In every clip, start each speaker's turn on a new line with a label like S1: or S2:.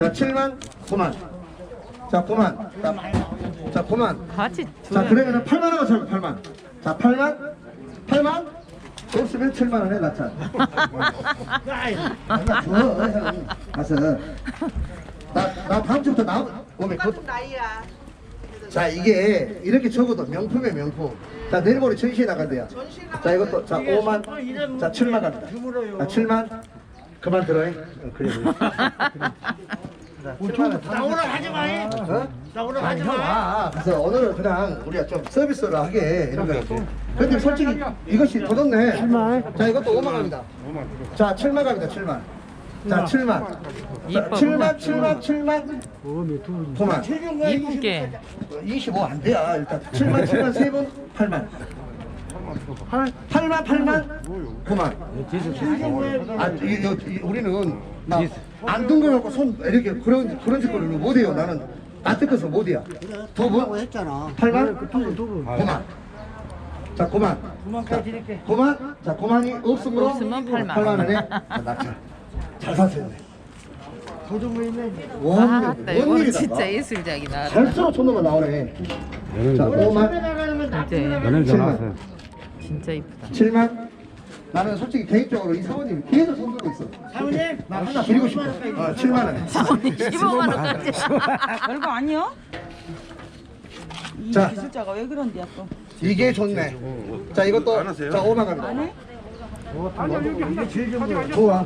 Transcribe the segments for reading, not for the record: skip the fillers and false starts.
S1: 자, 7만, 9만. 자, 9만. 자, 9만.
S2: 같이
S1: 자, 그러면은 8만 원가 잡고 8만. 자, 8만. 8만. 없으면 7만 원에 낮춰. 나 줘, 형. 가서. 나 다음 주부터 오면
S3: 나이야.
S1: 자, 이게 이렇게 적어도 명품이에요, 명품. 자, 내일 모레 전시회 나간대요. 자, 이것도, 자, 5만. 자, 7만 갑니다. 자, 7만. 그만 들어요. 그래.
S4: 나 오늘 하지 마.
S1: 어?
S4: 나 오늘
S1: 아니,
S4: 하지
S1: 형,
S4: 마.
S1: 그래서 오늘은 그냥 우리가 좀 서비스로 하게 이런 거 같아. 근데 솔직히 이것이 더 좋네. 7만. 자, 이것도 5만 갑니다. 자, 7만 갑니다. 7만. 자, 7만. 자, 7만, 7만, 7만. 9만.
S2: 이분께
S1: 25 안 돼요. 일단 7만, 7만 세 분 8만. 8만, 8만, 9만. 우리는 안 둥그러고 손 이렇게 그런 짓거리를 못해요. 나는 안 뜯어서 못해요. 두 분?
S4: 했잖아.
S1: 8만? 9만. 자, 9만.
S4: 9만까지 드릴게.
S1: 9만? 자, 9만이 없으므로
S2: 없으면 8만.
S1: 8만 원에 낙찰. 잘 사세요.
S4: 도둑이 있네.
S2: 아따 이거는
S1: 원일이다.
S2: 진짜 예술작이 나왔다.
S1: 갈수록 촌놈만 나오네. 자, 5만.
S2: 이제
S5: 연예인 전화 왔어요.
S2: 진짜 이쁘다.
S1: 7만. 나는 솔직히 개인적으로 이 사모님 계속 손 들고 있어.
S4: 사모님,
S1: 나 하나 드리고 싶어. 7만 원에.
S2: 사모님 15만 원까지.
S6: 별거 아니요? 이
S1: 자.
S6: 기술자가 왜 그런데요 또?
S1: 이게 좋네. 자, 이것도 자, 5만 갑니다. 좋아.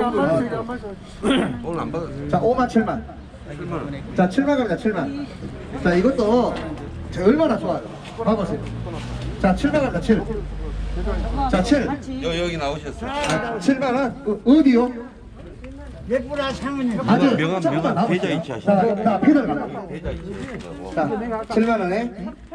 S5: 오늘 안 받았어요.
S1: 자, 5만 7만. 자, 7만 갑니다. 7만. 자, 이것도 자, 얼마나 좋아요. 봐보세요. 자, 7만 갑니다. 7. 자, 7.
S5: 여기 나오셨어요.
S1: 아, 7만 원. 어디요?
S4: 예쁘라 사모님.
S1: 아주
S5: 명함,
S1: 조금만
S5: 명함,
S1: 남았어요.
S5: 계좌 이체 하시는
S1: 자, 자, 피들 가.
S5: 계좌 있으시고.
S1: 자, 7만 원에.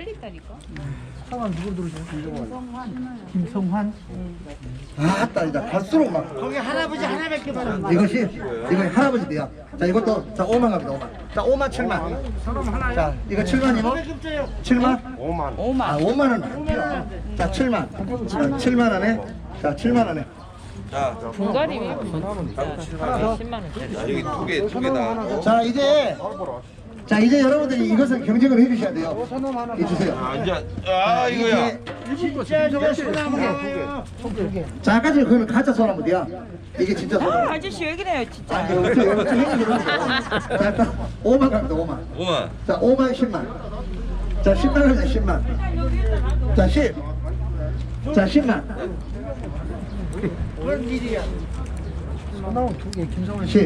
S4: 김성환.
S1: 아따, 이제 갈수록 막.
S4: 거기 할아버지 하나밖에 받아.
S1: 이것이 할아버지 돼요. 자, 이것도 자, 5만 갑니다. 5만. 자, 5만 7만. 자, 이거 7만이고 7만?
S5: 5만.
S1: 아, 5만 원. 안 돼요. 자, 7만. 자, 7만 원에. 자, 7만 원에.
S5: 자,
S2: 분갈이면 진짜 10만 원짜리.
S5: 여기 두 개 다.
S1: 자, 이제 여러분들이 이것을 경쟁을 해 주셔야 돼요. 이 주세요.
S5: 아, 이제 이거야.
S4: 진짜 저거 소나무예요.
S1: 자, 아까 전에 그거는 가짜 소나무야. 이게 진짜 소나무.
S6: 아저씨 왜 그래요 진짜?
S1: 아, 이거 어떻게 행위 그러는 자, 일단 5만 갑니다. 5만.
S5: 5만.
S1: 자, 5만 10만. 자, 10만 갑니다. 10만. 자, 10. 자, 10만.
S4: 그런 일이야.
S1: 10.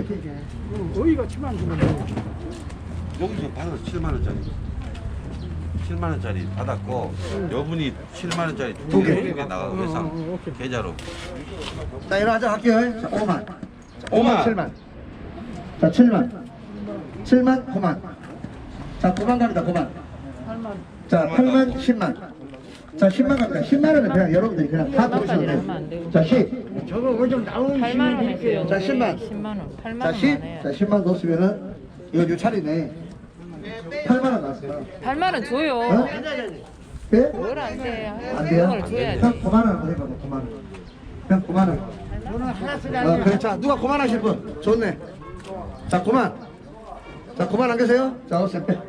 S5: 여기서 받아서 7만 원짜리. 7만 원짜리 받았고 여분이 7만 원짜리
S1: 두 개.
S5: 두개 나가고 회상 계좌로.
S1: 자, 일어나자 할게요. 자, 5만. 자,
S5: 5만.
S1: 7만. 자, 7만. 7만, 9만. 자, 9만 갑니다. 9만. 자, 8만, 10만. 자, 10만 갑니다. 10만 원은 그냥 여러분들이 그냥 다 부르셔도 돼요. 자, 10.
S4: 저거 뭐좀 나오는
S2: 8만 원 했어요.
S1: 자, 10만.
S2: 10만 원. 8만
S1: 자,
S2: 원
S1: 10.
S2: 해.
S1: 자, 10만 넣었으면은 이거 뉴차리네. 8만 원 나왔어요.
S2: 8만 원 줘요.
S1: 어? 예?
S2: 뭘 안 돼.
S1: 안 돼요?
S2: 그걸 줘야지.
S1: 형 9만 원 한번 해봐. 9만 원. 형 9만 원.
S4: 너는 하나 쓰라.
S1: 그래. 자, 누가 9만 하실 분? 좋네. 자, 9만. 자, 9만 안 계세요? 자, 어서 빼.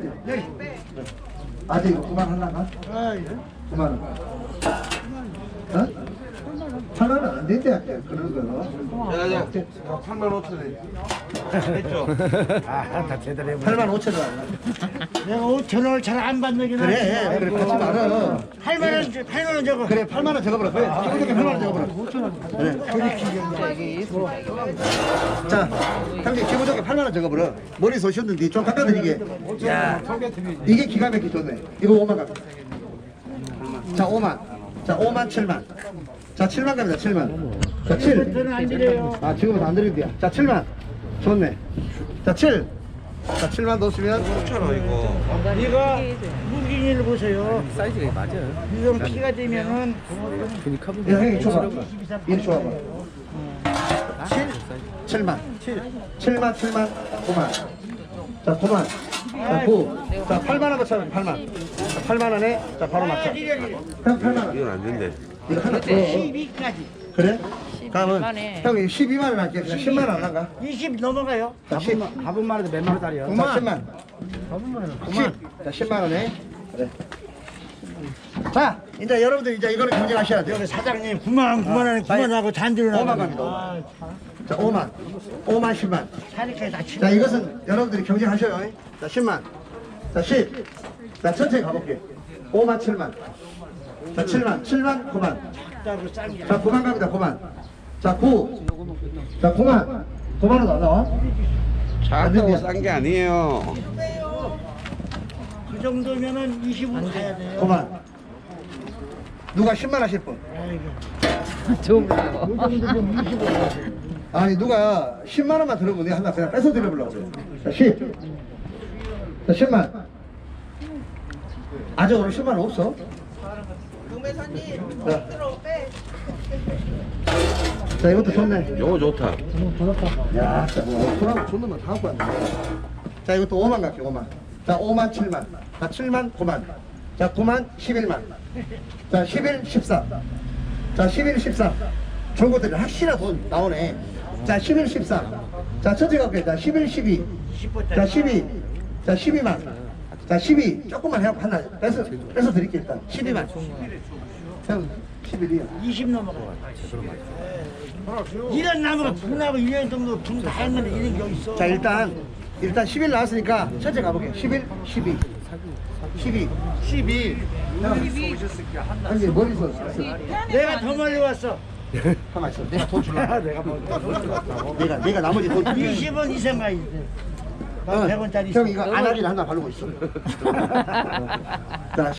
S1: 아직 9만 하려나? 9만 원. 어? 8만 원 안 된대, 그런 거.
S5: 야, 8만 5천 원. 했죠.
S1: 8만 5천 원.
S4: 내가 5천 원을 잘 안 받는 게
S1: 그래, 그래, 그렇지 말아.
S4: 8만 원 저거.
S1: 그래, 8만 원 적어버려. 그래, 기본적인 8만 원 적어버려. 5천 원. 그래. 자, 형님 기본적인 8만 원 적어버려. 머리 쏘셨는데 좀 깎아드리게. 야, 이게 기가 막히게 좋네. 이거 5만 갑니다. 자, 5만. 자, 5만 7만. 자, 7만 갑니다. 7만. 자, 7.
S4: 저는 안 드려요.
S1: 아, 지금은 안 드린대요. 자, 7만. 좋네. 자, 7. 자, 7만 넣으시면
S5: 5천 원 이거.
S4: 이거 무기를 보세요.
S5: 사이즈가 맞아요.
S4: 이건 피가 되면은
S1: 야, 형님 줘봐. 이리 줘봐. 7. 7만. 7만, 7만, 9만. 자, 9만. 자, 9. 자, 8만 원 거쳐면 8만. 자, 8만 원에 자, 바로 맞춰. 형 8만 원.
S5: 이건 안 된대.
S1: 이거 하나 더.
S4: 12까지.
S1: 그래? 그러면
S2: 만에.
S1: 형이 12만 원 할게. 10만 원 안 할까?
S4: 20 넘어가요.
S1: 자, 10.
S3: 밥은만 해도 몇만 원짜리야.
S1: 자, 10만. 10. 자, 10만 원에. 그래. 자, 이제 여러분들 이제 이거는 경쟁하셔야 돼요.
S4: 여기 사장님 9만 원에 9만 원하고 잔디로
S1: 5만
S4: 나가면
S1: 갑니다. 자, 5만. 5만 10만.
S4: 차니까 다 치고.
S1: 자, 이것은 여러분들이 경쟁하셔요. 자, 10만. 자, 10. 자, 천천히 가볼게. 5만 7만. 자, 7만. 7만 9만.
S4: 따로 싼 게.
S1: 자, 9만 갑니다. 9만. 자, 9. 자, 9만. 9만 원 안 나와?
S5: 작다고 싼 게 아니에요.
S4: 그 정도면은 20은 가야 돼요.
S1: 9만. 누가 10만 하실 분?
S4: 아이고.
S2: 좋은 거.
S1: 아니, 누가 10만 원만 들어보면 내가 하나 그냥 뺏어 드려보려고 그래. 자, 10. 자, 10만. 아직 오늘 10만 원 없어? 자, 이것도 좋네.
S5: 요거 좋다.
S1: 야, 진짜 뭐, 소라고 존나 다 갖고 왔네. 자, 이것도 5만 갈게, 5만. 자, 5만 7만. 자, 7만 9만. 자, 9만 11만. 자, 11 14. 자, 11 14. 좋은 것들이 확실한 돈 나오네. 자, 11 14. 자, 천천히 갈게. 자, 11 12. 자, 12. 자, 12만. 자, 12. 조금만 해갖고 하나 뺏어 드릴게, 일단. 12만. 형, 11이야.
S4: 20 넘어가요. 1년 남으면 분하고 1년 정도 분다 했는데 이런 게 있어.
S1: 자, 일단 11 나왔으니까 천천히 가볼게. 11, 12. 12. 12. 아니, 머리서 썼어.
S4: 내가 더 멀리 왔어.
S1: 가만 있어. 내가 돈 줄라. 내가 나머지 돈 줄게.
S4: 20원 이상 가야 돼.
S1: 어,
S4: 100원짜리
S1: 형 이거 안하기를 하나 바르고 있어. 자,